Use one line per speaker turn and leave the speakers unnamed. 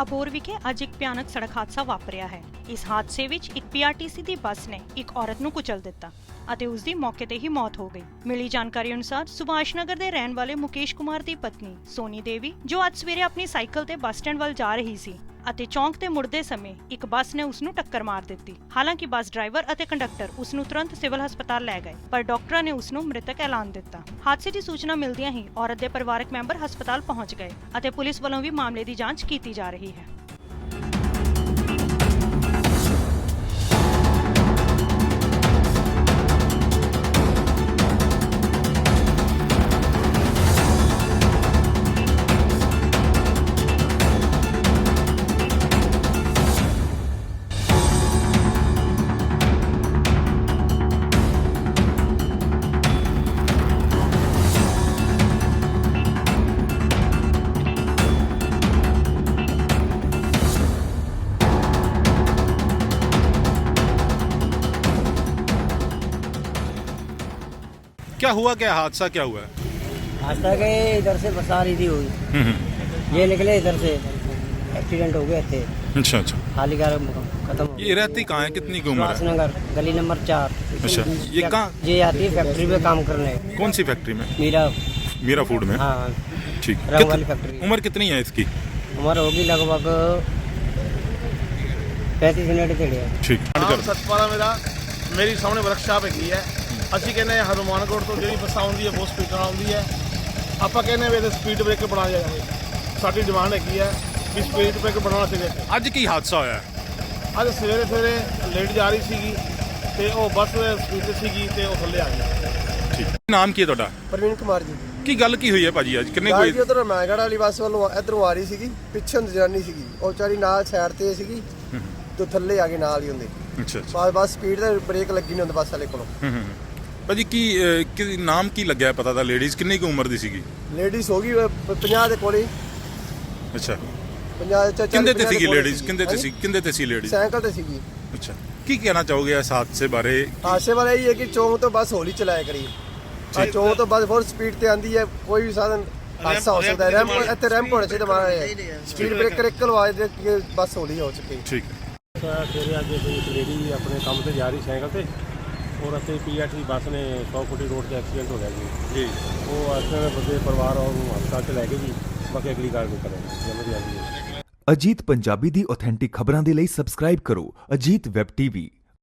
ਅਬੋਹਰ ਵਿਖੇ ਅੱਜ ਇੱਕ ਭਿਆਨਕ ਸੜਕ ਹਾਦਸਾ ਵਾਪਰਿਆ ਹੈ। ਇਸ ਹਾਦਸੇ ਵਿੱਚ ਇੱਕ ਪੀਆਰਟੀਸੀ ਦੀ ਬੱਸ ਨੇ ਇੱਕ ਔਰਤ ਨੂੰ ਕੁਚਲ ਦਿੱਤਾ ਅਤੇ ਉਸ ਦੀ ਮੌਕੇ ਤੇ ਹੀ ਮੌਤ ਹੋ ਗਈ। ਮਿਲੀ ਜਾਣਕਾਰੀ ਅਨੁਸਾਰ ਸੁਭਾਸ਼ ਨਗਰ ਦੇ ਰਹਿਣ ਵਾਲੇ ਮੁਕੇਸ਼ ਕੁਮਾਰ ਦੀ ਪਤਨੀ ਸੋਨੀ ਦੇਵੀ ਜੋ ਅੱਜ ਸਵੇਰੇ ਆਪਣੀ ਸਾਈਕਲ ਤੇ ਬੱਸ ਸਟੈਂਡ ਵੱਲ ਜਾ ਰਹੀ ਸੀ ਅਤੇ ਚੌਂਕ ਤੇ ਮੁੜਦੇ ਸਮੇਂ ਇੱਕ ਬੱਸ ਨੇ ਉਸ ਨੂੰ ਟੱਕਰ ਮਾਰ ਦਿੱਤੀ। ਹਾਲਾਂਕਿ ਬੱਸ ਡਰਾਈਵਰ ਅਤੇ ਕੰਡਕਟਰ ਉਸ ਨੂੰ ਤੁਰੰਤ ਸਿਵਲ ਹਸਪਤਾਲ ਲੈ ਗਏ, ਪਰ ਡਾਕਟਰਾਂ ਨੇ ਉਸ ਨੂੰ ਮ੍ਰਿਤਕ ਐਲਾਨ ਦਿੱਤਾ। ਹਾਦਸੇ ਦੀ ਸੂਚਨਾ ਮਿਲਦਿਆਂ ਹੀ ਔਰਤ ਦੇ ਪਰਿਵਾਰਕ ਮੈਂਬਰ ਹਸਪਤਾਲ ਪਹੁੰਚ ਗਏ ਅਤੇ ਪੁਲਿਸ ਵੱਲੋਂ ਵੀ ਮਾਮਲੇ ਦੀ ਜਾਂਚ ਕੀਤੀ ਜਾ ਰਹੀ ਹੈ।
क्या हुआ, क्या हादसा क्या हुआ है?
हादसा के इधर से बस आ रही थी हुई, ये निकले इधर से, एक्सीडेंट हो गया थे।
अच्छा अच्छा।
खाली कार खत्म हो
ये रहती कहाँ है, कितनी की उम्र है?
सुभाषनगर गली नंबर 4।
अच्छा, ये कहाँ?
ये आती है फैक्ट्री पे काम करने।
कौन सी फैक्ट्री में?
मीरा
फूड में।
हाँ
ठीक।
रंग वाली फैक्ट्री।
उम्र कितनी है इसकी?
उम्र होगी लगभग 35 मिनट थे।
ठीक।
सतपाला मेरी सामने वर्कशाप हैगी है। ਅਸੀਂ ਕਹਿੰਦੇ ਹਾਂ ਹਨੂਮਾਨਗੜ੍ਹ ਤੋਂ ਜਿਹੜੀ ਬੱਸ ਆਉਂਦੀ ਹੈ ਬਹੁਤ ਸਪੀਡ ਨਾਲ ਆਉਂਦੀ ਹੈ। ਆਪਾਂ ਕਹਿੰਦੇ ਵੀ ਇਹਦੇ ਸਪੀਡ ਬ੍ਰੇਕਰ ਬਣਾਇਆ ਜਾਵੇ। ਸਾਡੀ ਡਿਮਾਂਡ ਹੈਗੀ ਹੈ ਵੀ ਸਪੀਡ ਬ੍ਰੇਕਰ ਬਣਾਉਣਾ ਚਾਹੀਦਾ।
ਅੱਜ ਕੀ ਹਾਦਸਾ ਹੋਇਆ?
ਅੱਜ ਸਵੇਰੇ ਲੇਟ ਜਾ ਰਹੀ ਸੀਗੀ ਤੇ ਉਹ ਬੱਸ ਸਪੀਡ ਤੇ ਸੀਗੀ ਤੇ ਉਹ ਥੱਲੇ ਆ ਗਈ।
ਠੀਕ। ਨਾਮ ਕੀ ਹੈ ਤੁਹਾਡਾ?
ਪ੍ਰਵੀਨ ਕੁਮਾਰ ਜੀ।
ਕੀ ਗੱਲ ਕੀ ਹੋਈ ਹੈ ਭਾਜੀ ਅੱਜ? ਕਿੰਨੇ
ਕੋਈ ਉਧਰ ਮੈਗੜ ਵਾਲੀ ਬੱਸ ਵੱਲੋਂ ਇਧਰੋਂ ਆ ਰਹੀ ਸੀਗੀ, ਪਿੱਛੇ ਜਨਾਨੀ ਸੀਗੀ, ਉਹ ਵਿਚਾਰੀ ਨਾਲ ਸਾਈਡ ਤੇ ਸੀਗੀ ਤੇ ਥੱਲੇ ਆ ਗਈ ਨਾਲ ਹੀ ਹੁੰਦੇ।
ਅੱਛਾ।
ਬਸ ਸਪੀਡ ਤੇ ਬ੍ਰੇਕ ਲੱਗੀ ਨਹੀਂ ਹੁੰਦੀ ਬੱਸ ਵਾਲੇ ਕੋਲੋਂ।
ਭਾਜੀ ਕੀ ਨਾਮ ਕੀ ਲੱਗਿਆ ਪਤਾ ਤਾਂ? ਲੇਡੀਜ਼ ਕਿੰਨੀ ਕੁ ਉਮਰ ਦੀ ਸੀਗੀ?
ਲੇਡੀਜ਼ ਹੋ ਗਈ 50 ਦੇ ਕੋਲੇ।
ਅੱਛਾ।
50 ਚ
ਕਿੰਦੇ ਤੇ ਸੀਗੀ ਲੇਡੀਜ਼? ਕਿੰਦੇ ਤੇ ਸੀ ਲੇਡੀਜ਼?
ਸਾਈਕਲ ਤੇ ਸੀਗੀ।
ਅੱਛਾ। ਕੀ ਕਹਿਣਾ ਚਾਹੋਗੇ ਇਸ ਹਾਦਸੇ ਬਾਰੇ?
ਹਾਦਸੇ ਵਾਲਾ ਇਹ ਹੈ ਕਿ ਚੌਂਕ ਤੋਂ ਬੱਸ ਹੌਲੀ ਚਲਾਇਆ ਕਰੀ। ਚੌਂਕ ਤੋਂ ਬੱਸ ਬਹੁਤ ਸਪੀਡ ਤੇ ਆਂਦੀ ਹੈ, ਕੋਈ ਵੀ ਸਾਧਨ ਹਾਦਸਾ ਹੋ ਸਕਦਾ ਹੈ। ਇੱਥੇ ਰੈਂਪ ਹੋਣਾ ਚਾਹੀਦਾ ਮਾਰਾ, ਸਪੀਡ ਬ੍ਰੇਕਰ ਇੱਕ ਲਵਾ ਦੇ ਕਿ ਬੱਸ ਹੌਲੀ ਹੋ ਚੁੱਕੀ।
ਠੀਕ।
ਸਵੇਰੇ ਅੱਜ ਇੱਕ ਲੇਡੀ ਆਪਣੇ ਕੰਮ ਤੇ ਜਾ ਰਹੀ ਸਾਈਕਲ ਤੇ, और रस्ते पीआरटी बस ने 100 फुटी रोड से एक्सीडेंट हो गया जी। वो एक्सीडेंट बंदे परिवार और हस्पताल च लैके जी बाकी अगली कार्रवाई करेंगे जल्दी।
ਅਜੀਤ ਪੰਜਾਬੀ ਦੀ ਆਥੈਂਟਿਕ ਖਬਰਾਂ ਦੇ ਲਈ ਸਬਸਕ੍ਰਾਈਬ ਕਰੋ ਅਜੀਤ ਵੈਬ ਟੀਵੀ।